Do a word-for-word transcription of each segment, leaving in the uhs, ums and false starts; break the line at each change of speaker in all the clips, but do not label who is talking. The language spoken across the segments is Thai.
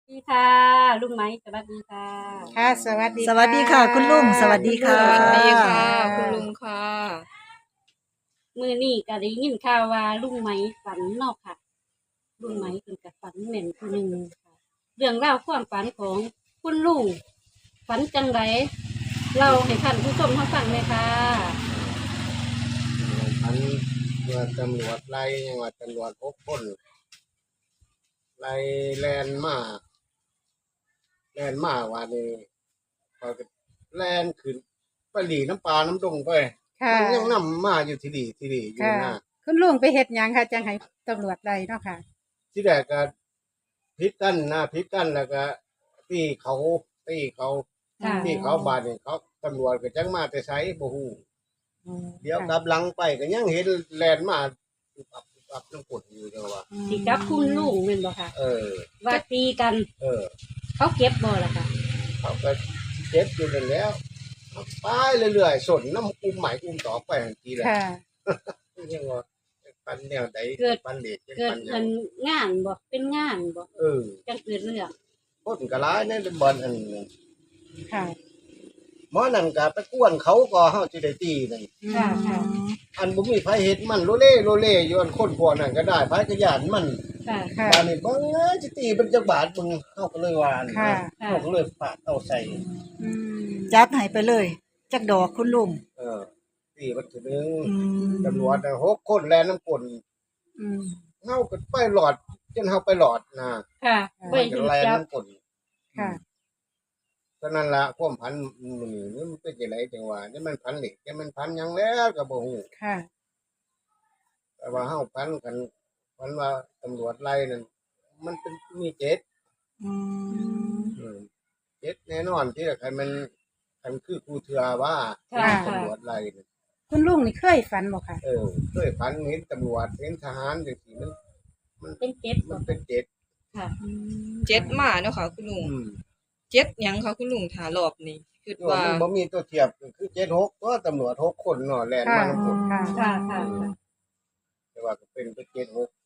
ดีค่ะลุงไหมสวัสดีค่ะ
ค่ะสวัสดี
สวัสดีค่ะคุณลุงสวัสดีค่ะ
สวัสดีค่ะ
คุณลุงค่ะ
มือนี่ก็ได้ยินข่าวว่าลุงไหมฝันเนอกค่ะ ลุงไหมเป็นกับฝันเหม็นคนหนึ่งค่ะเรื่องราวความฝันของคุณลุงฝันจังไรเราให้ท่านผู้ชมเขาฟังเลยค่ะ
อันเมื่อตำรวจไล่ยังว่าตำรวจหกคนไล่แลนมาแลนมาว่านี่พอก็แลนขึ้นไปหลีน้ำปลาน้ำดงไป
ค่ะ
มันยังนำมาอยู่ที่ดีที่ดีอยู่
ค่ะ
นะ
คุณลุงไปเฮ็ดหยังค่ะจังให้ตำรวจไล่เนาะค่ะ
ที่แรกก็พิษกันนะพิษกันแล้วก็ตีเขาตีเขา
ค่ะ
ตีเขาบาดนี่เขาตำรวจก็จังมาแต่ใช้บ่ฮู้เดี๋ยวกลับหลังไปก็ยังเห็นแลนมาปุบปับปุบปับน้ำกดอยู่จังว่า
สิกับคุณลุงเป็นบ่ค่ะ
เออ
ว่าตีกัน
เออ
เขาเก็บบ่ล่ะค่ะ
เขาก็เจ็บอยู่นั่นแล้วไปเรื่อยๆสนน้ำอุ้มใหม่อุ้มต่อไปทันทีแหละ
ค่ะ
ยังว่าปันแนวไหนปันเด็ก
เกิ
ปั
ด
นยั
เป็
ง
นงานบ่เป็นงานบ่
เออ
จังเกิดเรื่อง
พ้นกะร้ายนั่นเป็นบอลอันนึง
ค่ะ
หมอนั่นก็ไปกวนเขาก็เฮาสิได้ตีนั่น
ค่ะค่ะ
อันบ่มีไผเฮ็ดมันโลเล่โลเล่อยู่อันคนพวกนั้นก็ได้ไผก็ย่านมัน
ค่ะ
ค่ะ
บาดนี้บ่เอ้ยสิตีเป็นจักบาทมึงเฮาก็เลยว่าอัน
ค่ะ
ค่ะ
เฮาก็เลยฟาดเอาใส่
อืม
จัดให้ไปเลยจักดอกคุณลุง
เออตีมันถึงนึง
อืม
ตำรวจน่ะหกคนแลน้ำกล
อืม
เฮาก็ไปหลอดจนเฮาไปหลอดนะ
ค่ะไป
มัน
ถึ
จะ
ง
แลน
จับ
น้ำกล
ค่ะ
ฉะนั้นละความพันมันนี่มันเป็นจังไดจังว่านี่มันพันเหล็กนี่มันพันหยังแล้วก็บ่ฮู้
ค่ะ
แต่ว่าเฮาพันกันพันว่าตำรวจไล่นั่นมันเป็นมีเจ็ด
อืม
อืมเจ็ดแน่นอนที่ละคันมันคันคือครูเทือว่า
ค่ะ
ตำรวจไล่นั่น
คุณลุงนี่เคยฝันบ่ค่ะ
เออเคยพันเห็นตำรวจเห็นทหารจังซี่มันมัน
เป็นเก็บ
มั
บ่
นเป็นเจ็ด
ค่ะ
เจ็ดมาเนาะค่ะ คุณลุง
อืม
เจ็ดหยังค่ะคุณลุงถารอบนี้คือ
ว่า
ว่า
มันบ่มีตัวเทียบก็คือเจ็ดหกตัวตำรวจหกคนเนาะแล่นมา
ค่ะ
นำคน
ค่ะ
ค่ะค่ะ
แต่ว่าก็เป็นไปเจ็ดหก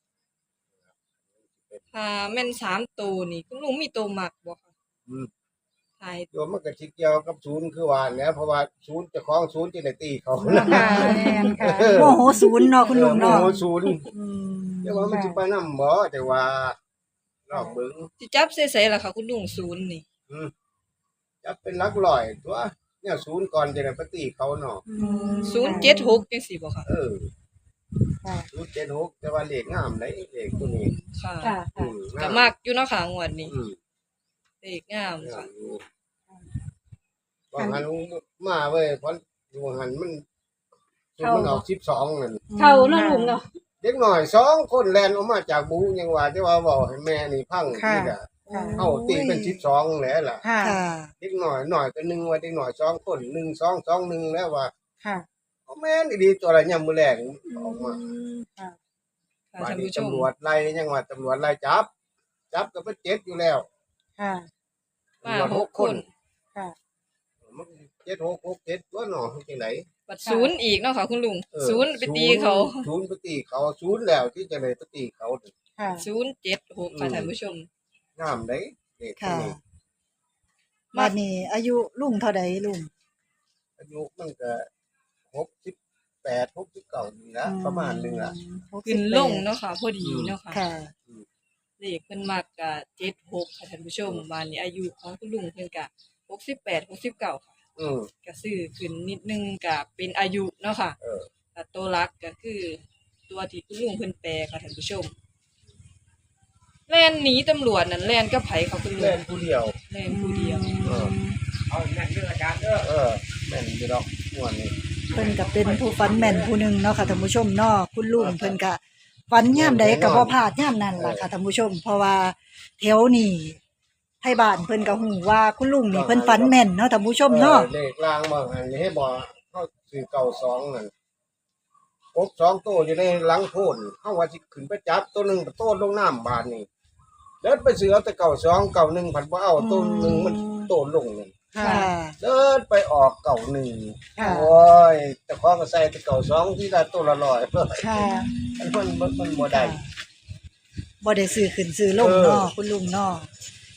ถ้าแม่นสามตัวนี่คุณลุงมีตัวมักบ่ค่ะ
อืม
ทาย
โยมมันก็สิเกี่ยวกับศูนย์คือว่าแหล้วเพราะว่าศูนย์เจ้าของศูนย์จะได้ตีเขา
ค่ะแม่นค่ะ
โมโหศูนย์เนาะคุณลุง
เออ
เนาะ
โมโหศูนย์
อืม
แต่ว่ามันสิไปนำบ่แต่ว่าลองเบิ่ง
สิจับใส่ๆล่ะค่ะคุณลุงศูนย์นี่
อืมจับเป็นหลักร้อยตัวเนี่ยศูนย์ก่อนจะได้ไปตีเขาเนาะ
อืม
ศูนย์เจ็ดหกจังซี่บ่ค่ะ
เออ
ค่ะ
ศูนย์เจ็ดหกแต่ว่าเลขงามได้เลขตัวนี้
ค่ะ
ค่ะ
อื
ค่ะ
ม
ก็มักอยู่เนาะค่ะงวดนี้
อืม
เลขงาม
งา
ค่ะ
มอยู่ว่าหันมาเว้ยเพราะอยู่หันมันศูนย์มันออกสิบสองนั่น
เขาเนาะลุงเนาะ
เด็กหน่อยสองคนแลนออกมาจากบูยังว่าจะว่าบอกให้แม่นี่พัง
ค่ะ
นี่แหละ
ค่ะ
เอาตีเป็นสิบสองแล้วล่ะ
ค่ะ
ค่ะ
เด็กหน่อยหน่อยก็หนึ่งว่าเด็กหน่อยสองคนหนึ่งสองสองหนึ่งแล้วว่า
ค่ะ
เอาแม่นดีตัวอะไรยามมือแรงออกมา
ค่ะ
ค่ะ
ว่า
ท่าน
ดี
ผู้ชม
ตำรวจไล่ยังว่าตำรวจไล่จับ จับก็เป็นเจ็ดอยู่แล้ว
ค่ะ
ตำรวจหกคน
ค่ะ
มันเจ็ดหกหกเจ็ดตัวหนอที่ไหน
บัดศูนย์อีกเนาะค่ะคุณลุง
เออ
ศูนย์ไปตีเขา
ศูนย์ไปตีเขาศูนย์แล้วที่จะเลยไปตีเขา
ค่ะ
ศูนย์เจ็ดหกค่ะท่านผู้ชม
งามได้เด็กคน
ค่ะ
นี้
บัดนี้อายุลุงเท่าใดลุง
อายุมันก็หกสิบแปดหกสิบเก้านี่ละประมาณหนึงละ
หกสิ
ขึ้
บ
น
แปด
ลงเนาะค่ะ พอดีเนาะค่ะ
ค่ะ
เลขเพิ่นมักกะเจ็ดหกค่ะท่านผู้ชมบ้านนี้อายุของคุณลุงเพิ่นกะหกสิบแปด หกสิบเก้าค่ะ
อืม
ก็ซื้อขึ้นนิดนึงก็เป็นอายุเนาะค่ะ
เออ
แต่ตัวหลักก็คือตัวที่คุณลุงเพิ่นแปลค่ะท่านผู้ชมแล่นหนีตำรวจนั่นแล่นกับไผค่ะคุณลุ
เล่
ง
นผู้เดียว
แล่นผู้เดียว
เออเอาแม่นเรื่องอาจารย์เด้อเออแม่นอยู่ดอกม่วนนี่
เพิ่นก็เป็นผู้ฝันแม่นผู้หนึงเนาะค่ะท่านผู้ชมเนาะคุณลุงเพิ่นก็ฝันยามใดก็บ่พลาดยามนั้นล่ะค่ะท่านผู้ชม เพราะว่าแถวนี้ไทบ้านเพิ่นก็ฮู้ว่าคุณลุงนี่เพิ่นฝันแม่นเนาะท่านผู้ชมเนาะ
ออเลขล่างบางอันให้บ่เฮาซื้อเก่าสองนั่นกบสองตัวอยู่ในหลังโพนเฮาว่าสิขึ้นไปจับตัวหนึงโตนลงน้ำบาดนี่เดินไปซื้อเอาแต่เก่าสองเก่าหนึ่งผันบ่เอาตัวหนึงมันโตนลงนั่น
ค่ะ
เดินไปออกเก่าหนึ่ง
ค่ะ
โอ้ยแต่ของก็ใส่แต่เก่าสองที่ละตัวละร้อย
ค่ะ
มันมันมันบ่ได้
บ่ได้ซื้อขึ้นซื้อลงเนาะคุณลุงเนาะ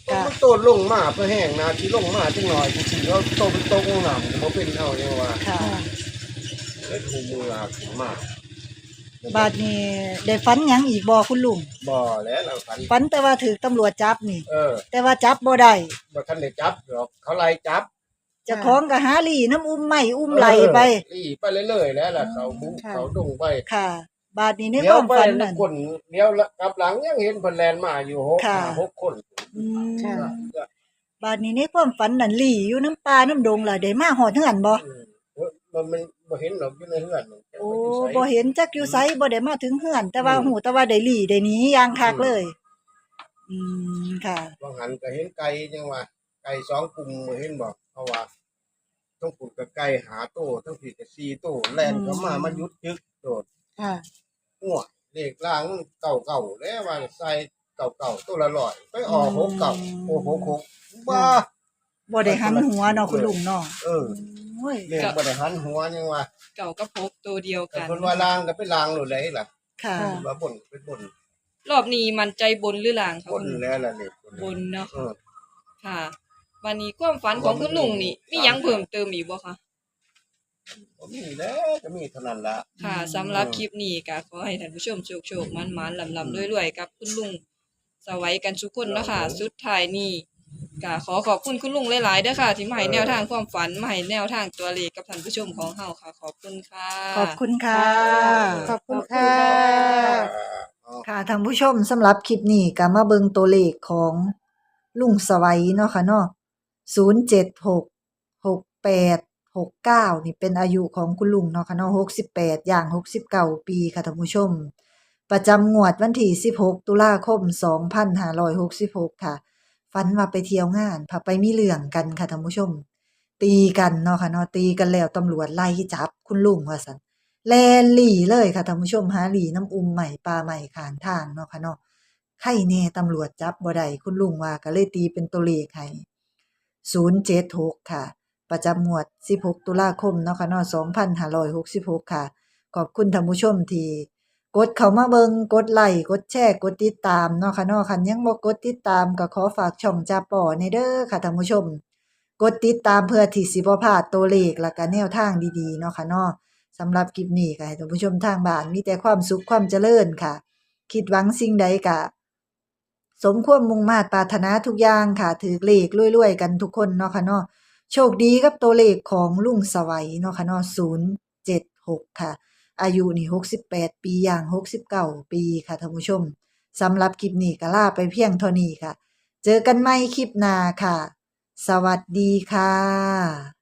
มันโตลงมาเพื่อแห้งนาที่ลงมาจังหน่อยสิแล้วโตเป็นโตลงน้ำบ่เป็นเอาจังว่า
ค่ะ
เล็ดหูมือลาขึ้นมา
บาดนี้ได้ฝันหยังอีกบ่คุณลุง
บ่แล้วเราฝัน
ฝันแต่ว่าถูกตำรวจจับนี่
เออ
แต่ว่าจับบ่ได้
บ่ทันได้จับหรอกเขาไล่จับ
เจ้าของก็หาลี่น้ำอุ้มไม้อุ้มไหลไป
เออลี่ไปเรื่อยๆแล้วล่ะเขาบุก
ค่ะ
เขาดงไป
ค่ะ บาดนี้ในค
เดี๋ยว
วาม
ไป
ฝันนั่น
คนเดี๋ยวกลับหลังยังเห็นเพิ่นแลนมาอยู่หก
ค่ะ
ห้าหกคน
อืม
ค่ะ
บาดนี้ในความฝันนั่นลี่อยู่น้ำป่าน้ำดงล่ะได้มาฮอดเฮือนบ่
อืมเอ้ยมันมันบ่เห็นหรอกอยู่ในเฮือนมันจะ
โอ้
ไปอยู่ไส
บ่เห็นจักอยู่ไสบ่ได้มาถึงเฮือน แต่ว่าหูแต่ว่าได้ลี่ได้หนีอย่างคักเลย อืมค่ะ
บางหันก็เห็นไก่จังว่าไก่สองกลุ่มเห็นบ่เพราะว่าต้องปลูกกับไก่หาโตต้องผิดกับสี่โตแล่นเข้ามามันยุดยึกโดด
ค่ะ
หัวเลขล่างเก่าเก่าๆแล้วว่าใส่เก่าเก่าๆตัวละร้อยไปออกหกเก่าโอ้โหหกบ้า
บ่ได้หันหัวเนาะคุณลุงเนาะ
เออ
โอ้ย
เลขบ่ได้หันหัวยังว่า
เก่ากับพกตัวเดียว
แต่
กัน
คนว่าล่างก็เป็นล่างโลดเลยล่ะ
ค่ะ
ค่ะ
ว่าบนก็เป็นบน
รอบนี้มันใจบนหรือล่างคะ
บน
คุณลุง
แล้วล่ะเลข
บนเนาะ
เออ
ค่ะ วันนี้ความฝันของคุณลุงนี่มีหยังเพิ่มเติมอีกบ่คะ
บ่มีแล้วก็มีเท่านั้นละ
ค่ะสำหรับคลิปนี้ก็ขอให้ท่านผู้ชมโชคโชคมันมันลำลำรวยๆกับคุณลุงสวัยกันทุกคนเนาะคะสุดท้ายนี้ก็ขอขอบคุณคุณลุงหลายๆเด้อค่ะ ที่มาให้แนวทางความฝันมาให้แนวทางตัวเลขกับท่านผู้ชมของเฮาค่ะ ขอบคุณค่ะ
ขอบคุณค่ะ
ขอบคุณค่ะ
อ๋อ
ค่ะท่านผู้ชมสำหรับคลิปนี้ก็มาเบิ่งตัวเลขของลุงสวัยเนาะค่ะเนาะศูนย์ เจ็ด หก หก แปด หก เก้านี่เป็นอายุของคุณลุงเนาะค่ะเนาะหกสิบแปดย่างหกสิบเก้าปีค่ะท่านผู้ชม ประจำงวดวันที่สิบหกตุลาคมสองพันห้าร้อยหกสิบหกค่ะฝันว่าไปเที่ยวงานพาไปมีเรื่องกันค่ะท่านผู้ชม ตีกันเนาะค่ะเนาะตีกันแล้วตำรวจไล่จับคุณลุงว่าซั่น แลนหลีเลยค่ะท่านผู้ชมหาหลีน้ำอุ้มใหม่ปลาใหม่ข้างทางเนาะค่ะเนาะไข่แน่ตำรวจจับบ่ได้คุณลุงว่าก็เลยตีเป็นตัวเลขให้ศูนย์ เจ็ด หกค่ะ ประจำงวดสิบหกตุลาคมเนาะค่ะเนาะสองพันห้าร้อยหกสิบหกค่ะ ขอบคุณท่านผู้ชมที่กดเข้ามาเบิงกดไลค์กดแชร์กดติดตามเนาะค่ะเนาะคันยังบ่กดติดตามก็ขอฝากช่องจาป่อในเด้อค่ะท่านผู้ชม กดติดตามเพื่อที่สิบ่พลาดตัวเลขและก็แนวทางดีๆเนาะค่ะเนาะสำหรับคลิปนี้ก็ให้ท่านผู้ชมทางบ้านมีแต่ความสุขความเจริญค่ะ คิดหวังสิ่งใดก็สมความมุ่งมา่ปรารถนาทุกอย่างค่ะถือเลขรวยๆกันทุกคนเนาะค่ะเนาะโชคดีกับตัวเลขของลุงสวัยเนาะค่ะเนาะศูนย์ เจ็ด หกค่ะ อายุนี่หกสิบแปดปีอย่างหกสิบเก้าปีค่ะท่านผู้ชมสำหรับคลิปนี้ก็ลาไปเพียงเท่านี้ค่ะ เจอกันใหม่คลิปหน้าค่ะ สวัสดีค่ะ